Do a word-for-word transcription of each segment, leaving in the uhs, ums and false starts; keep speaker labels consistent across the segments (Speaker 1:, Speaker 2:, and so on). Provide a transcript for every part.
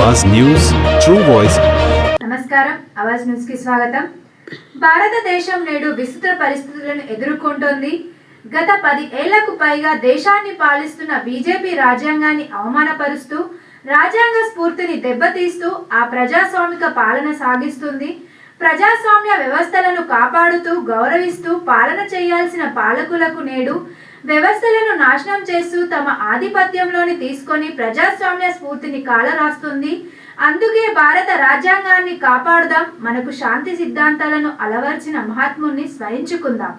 Speaker 1: आवाज news true voice.
Speaker 2: నమస్కారం ఆవాజ్ news కి స్వాగతం। భారతదేశం నేడు విస్తృత పరిస్థితులను ఎదుర్కొంటోంది। గత పది ఏళ్లకు పైగా దేశాన్ని పాలిస్తున్న బీజేపీ రాజ్యాంగాన్ని అవమానపరుస్తూ రాజ్యాంగ స్ఫూర్తిని దెబ్బతీస్తూ ఆ ప్రజాస్వామిక పాలన సాగిస్తుంది। ప్రజాస్వామ్య వ్యవస్థలను కాపాడుతూ గౌరవిస్తూ పాలన చేయాల్సిన పాలకులకు నేడు వ్యవస్థలను నాశనం చేస్తూ తమ ఆధిపత్యంలోని తీసుకొని ప్రజాస్వామ్య స్ఫూర్తిని కాలరాస్తుంది। అందుకే భారత రాజ్యాంగాన్ని కాపాడుదాం, మనకు శాంతి సిద్ధాంతాలను అలవర్చిన మహాత్ముని స్మరించుకుందాం।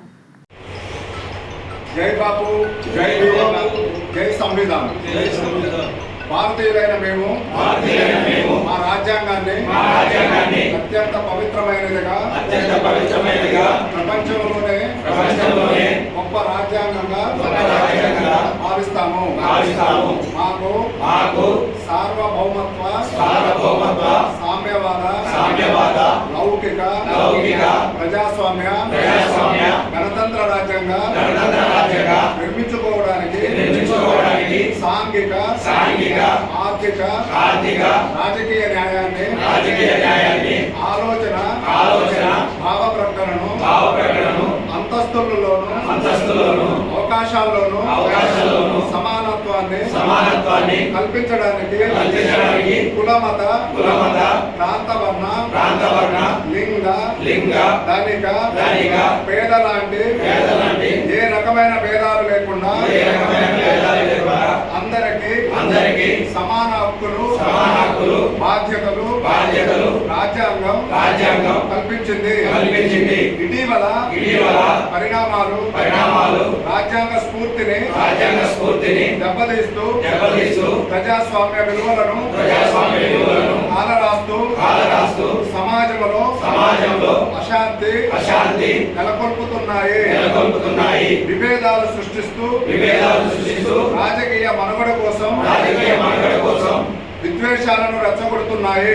Speaker 3: జై బాపు, జై భీమ్, జై సంవిధాన్। జై సంవిధాన్। భారతీయులైన మేము భారతీయులైన మేము మా రాజ్యాంగాన్ని మా రాజ్యాంగాన్ని అత్యంత పవిత్రమైనదిగా అత్యంత పవిత్రమైనదిగా ప్రపంచంలోనే ప్రపంచంలోనే గొప్ప రాజ్యాంగంగా గొప్ప రాజ్యాంగంగా భావిస్తాము భావిస్తాము మాకు మాకు సార్వభౌమత్వ సార్వభౌమత్వ సామ్యవాద సామ్యవాద లౌకిక లౌకిక ప్రజాస్వామ్య ప్రజాస్వామ్య గణతంత్ర రాజ్యాంగ గణతంత్ర రాజ్యాంగ నిర్మించుకోవడానికి నిర్మించుకోవడానికి సాంఘిక సాంఘిక ఆర్థిక ఆర్థిక రాజకీయ న్యాయాన్ని రాజకీయ న్యాయాన్ని ఆలోచన ఆలోచన భావ ప్రకటనను భావ ప్రకటనను అంతస్తులలోను అంతస్తులలోను అవకాశాల్లోను అవకాశాల్లోను సమానత్వాన్ని సమానత్వాన్ని కల్పించడానికి కల్పించడానికి కులమత కులమత ప్రాంతవర్ణ ప్రాంతవర్ణ లింగ లింగ ధనిక ధనిక పేద లాంటి పేద లాంటి ఏ రకమైన భేదాలు లేకుండా ఏ రకమైన భేదాలు లేకుండా అందరికీ అందరికీ సమాన హక్కులు సమాన హక్కులు బాధ్యతలు బాధ్యతలు రాజ్యాంగం రాజ్యాంగం కల్పించింది కల్పించింది ఇటీవల ఇటీవల పరిణామాలు పరిణామాలు రాజ్యాంగ స్ఫూర్తిని రాజ్యాంగ స్ఫూర్తిని దెబ్బతీస్తూ దెబ్బతీస్తూ ప్రజాస్వామ్య విలువలను ప్రజాస్వామ్య విలువలను కాలరాస్తూ కాలరాస్తూ సమాజంలో సమాజంలో అశాంతి అశాంతి నెలకొల్పుతున్నాయి నెలకొల్పుతున్నాయి విభేదాలు సృష్టిస్తూ విభేదాలు సృష్టిస్తూ రాజకీయ మనుగడ కోసం రాజకీయ మనుగడ కోసం విద్వేషాలను రెచ్చగొడుతున్నాయి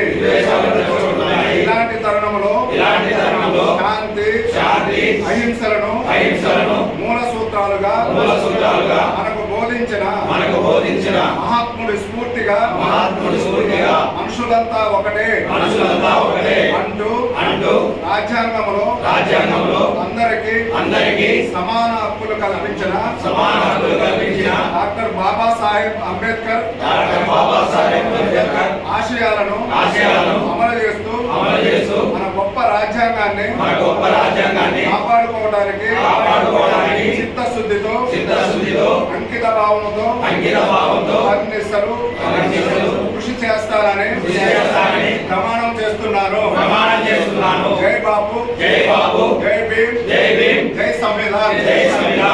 Speaker 3: ఇలాంటి తరుణంలో ఇలాంటి తరుణంలో శాంతి శాంతి అహింసలను అహింసలను మూల సూత్రాలుగా మూల సూత్రాలుగా మనకు బోధించిన మనకు బోధించిన మహాత్ముడి స్ఫూర్తిగా మహాత్ముడి స్ఫూర్తిగా మనుషులంతా ఒకటే మనుషులంతా ఒకటే అంటూ అంటూ రాజ్యాంగంలో రాజ్యాంగంలో అందరికీ అందరికీ సమాన హక్కులు కల్పించిన సమాన హక్కులు కల్పించిన డాక్టర్ బాబాసాహెబ్ అంబేద్కర్ డాక్టర్ బాబాసాహెబ్ ఆశయాలను ఆశయాలను అమలు చేస్తూ అమలు చేస్తూ మన గొప్ప రాజ్యాంగాన్ని మన గొప్ప రాజ్యాంగాన్ని కాపాడుకోవడానికి కాపాడుకోవడానికి చిత్తశుద్ధితో చిత్తశుద్ధితో అంకిత భావంతో అంకిత భావంతో అన్నిసలు కృషి చేస్తారని కృషి చేస్తారని ప్రమాణం చేస్తున్నారు ప్రమాణం చేస్తున్నాను। జై బాపు, జై